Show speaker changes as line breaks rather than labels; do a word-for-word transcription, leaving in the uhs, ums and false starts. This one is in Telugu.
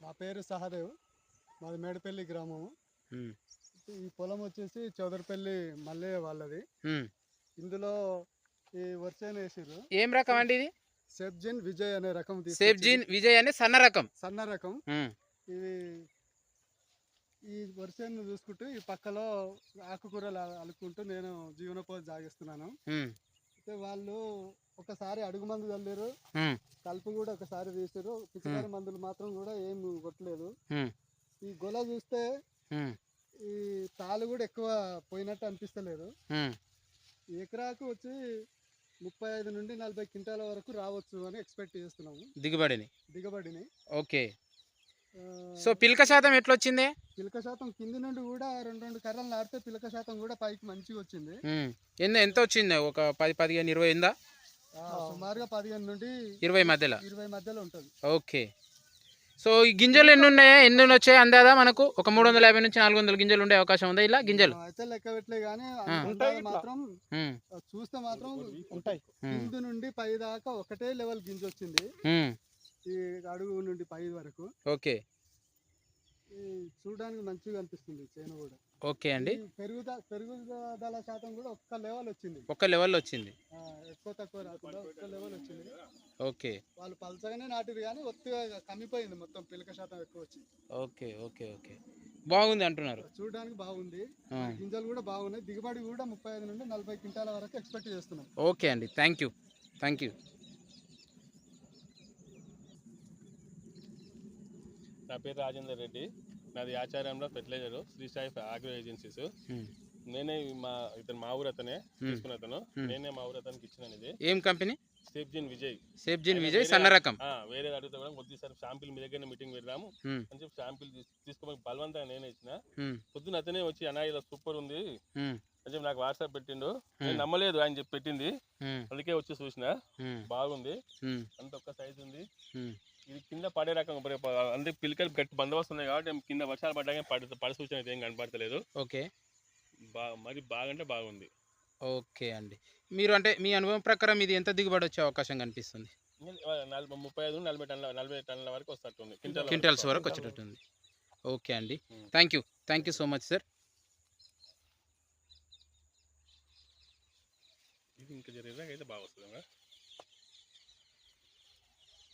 నా పేరు సహదేవ్, మాది మేడపల్లి గ్రామము. ఈ పొలం వచ్చేసి చౌదరిపల్లి మల్లయ్య వాళ్ళది. ఇందులో ఈ వర్షాన్ని వేసారు.
ఏం రకం అండి ఇది?
సెబ్జిన్ విజయ్ అనే రకం.
సెబ్జిన్ విజయ్ అనే సన్న రకం.
సన్న రకం ఇవి. ఈ వర్షాన్ని చూసుకుంటూ ఈ పక్కలో ఆకుకూరలు అలుకుంటూ నేను జీవనోపాధి సాగిస్తున్నాను. అయితే వాళ్ళు ఒకసారి అడుగు మందు చల్లారు, కలుపు కూడా ఒకసారి తీసారు. పిచికారి మందులు మాత్రం కూడా ఏం కొట్టలేదు. ఈ గొల చూస్తే ఈ తాలు కూడా ఎక్కువ పోయినట్టు అనిపిస్తలేదు. ఎకరాకు వచ్చి ముప్పై ఐదు నుండి నలభై క్వింటాల వరకు రావచ్చు అని ఎక్స్పెక్ట్ చేస్తున్నాము
దిగుబడిని
దిగుబడిని
ఓకే. సో పిలక శాతం ఎట్లా వచ్చింది?
పిలక శాతం కింది నుండి కూడా రెండు రెండు కర్రలు నాటితే పిలక శాతం కూడా పైకి మంచిగా వచ్చింది.
ఎంత ఎంత వచ్చింది? ఒక పది పదిహేను ఇరవై ఉందా?
సుమారుగా పదిహేను నుండి
ఇరవై మధ్యలో
ఇరవై మధ్యలో ఉంటుంది.
ఓకే. సో ఈ గింజలు ఎన్ని ఉన్నాయా, ఎన్ని వచ్చాయి అందాదా? మనకు ఒక మూడు వందల యాభై నుంచి నాలుగు వందల గింజలు ఉండే అవకాశం ఉందా ఇలా గింజలు?
అయితే లెక్క పెట్టలే కానీ మాత్రం చూస్తే మాత్రం ఉంటాయి. కింది నుండి పై దాకా ఒకటే లెవెల్ గింజ వచ్చింది, ఈ అడుగు నుండి పై వరకు.
ఓకే,
చూడడానికి మంచిగా అనిపిస్తుంది చేను కూడా.
ఓకే అండి.
పెరుగుద పెరుగుదల శాతం కూడా ఒక్క లెవెల్ వచ్చింది,
ఒక్క లెవెల్ వచ్చింది,
ఎక్కువ తక్కువ రాకుండా ఒక్క లెవెల్ వచ్చింది.
ఓకే.
వాళ్ళు పలచగానే నాటిరు కానీ ఒత్తిగా కమ్మిపోయింది, మొత్తం పిలక శాతం ఎక్కువ వచ్చింది.
ఓకే ఓకే ఓకే బాగుంది అంటున్నారు.
చూడడానికి బాగుంది, గింజలు కూడా బాగున్నాయి. దిగుబడి కూడా ముప్పై ఐదు నుండి నలభై క్వింటాల వరకు ఎక్స్పెక్ట్ చేస్తున్నాం.
ఓకే అండి, థ్యాంక్ యూ థ్యాంక్ యూ.
నా పేరు రాజేందర్ రెడ్డి, నాది ఆచార్యంలో fertiliser Sri Sai agro agencies. నేనే మా ఇతను మా ఊరు అతనే తీసుకున్న అతను, నేనే మా ఊరు అతనికి ఇచ్చిన. ఇది
ఏం కంపెనీ?
సెబ్జిన్ విజయ్.
సెబ్జిన్ విజయ్ సన్న రకం.
వేరే అడిగితే కూడా కొద్దిసారి శాంపిల్ మీ దగ్గర మీటింగ్ పెడదాము అని చెప్పి శాంపిల్ తీసుకోమని బలవంతంగా నేనే ఇచ్చిన. పొద్దున అతనే వచ్చి అన్నా ఇలా సూపర్ ఉంది అని చెప్పి నాకు వాట్సాప్ పెట్టిండు. నేను నమ్మలేదు ఆయన చెప్పి పెట్టింది, అందుకే వచ్చి చూసిన. బాగుంది, అంత ఒక్క సైజు ఉంది. ఇది కింద పడే రకం, అంటే పిల్లకలు గట్టి బందోబస్తు ఉన్నాయి కాబట్టి కింద వర్షాలు పడ్డా పడి పడి సూచన అయితే ఏం కనపడతలేదు.
ఓకే,
బా మరి బాగంటే బాగుంది.
ఓకే అండి. మీరు అంటే మీ అనుభవం ప్రకారం ఇది ఎంత దిగుబడి వచ్చే అవకాశం కనిపిస్తుంది?
నలభై ముప్పై ఐదు నలభై టన్నుల నలభై టన్నుల వరకు వస్తుంది,
క్వింటల్స్ వరకు వచ్చేటట్టుంది. ఓకే అండి, thank you thank you so much sir.
ఇది ఇంకా జరిగేదాకా అయితే బాగా వస్తుంది.